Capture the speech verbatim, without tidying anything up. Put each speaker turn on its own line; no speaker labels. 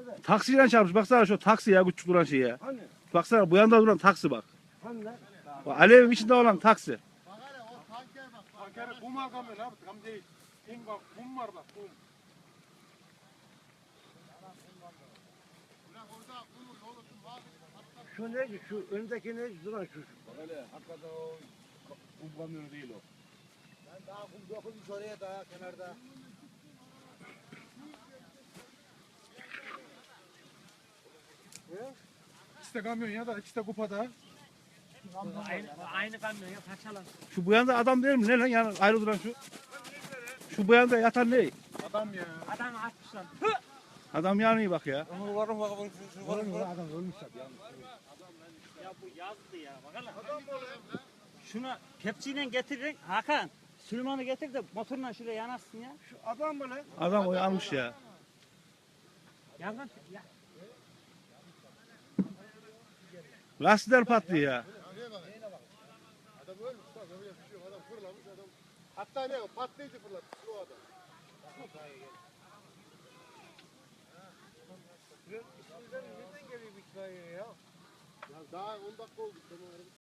Nerede?
Taksiyle çarpmış. Baksana şu taksi ya, küçük duran şey ya.
Hani?
Baksana bu yanda duran taksi bak.
Hani lan?
Bak, alevin içinde olan taksi.
Bak hele o tankere bak. Tankere kum var kamyon abi. Tam değil. Kum bak. Kum var bak. Kum. Ulan orada kumun olursun. Bak.
Şu neydi? Şu öndeki neydi? Duran şu.
Bak hele hakikaten o kum kamyonu değil o.
Ben daha kum dokunmuş oraya daha kenarda. İkisi de kamyon ya da ikisi de kupada.
Aynı, aynı kamyon ya parçalan.
Şu bu yanda adam değil mi? Ne lan yani ayrı duran şu? Şu bu yanda yatan ne?
Adam ya.
Adam atmışlar.
Adam yanıyor bak ya.
Onu varım bakalım şu
Var mı? Adam ölmüş tabii. ya.
Ya bu yazdı ya. Bakalım. Şunu kepçeyle getirin Hakan. Süleyman'ı getir de motorla şuraya yanarsın ya.
Şu adam mı lan?
Adam o yanmış ya.
Yangın ya.
Lastikler patlıyor ya.
Adam ölmüş bak öyle bir şey yok. Adam fırlamış adam. Hatta ne o patlayıcı fırlatmış o adam.
Nereden geliyor bu itfaiye ya?
Ya daha on dakika oldu. Tamam.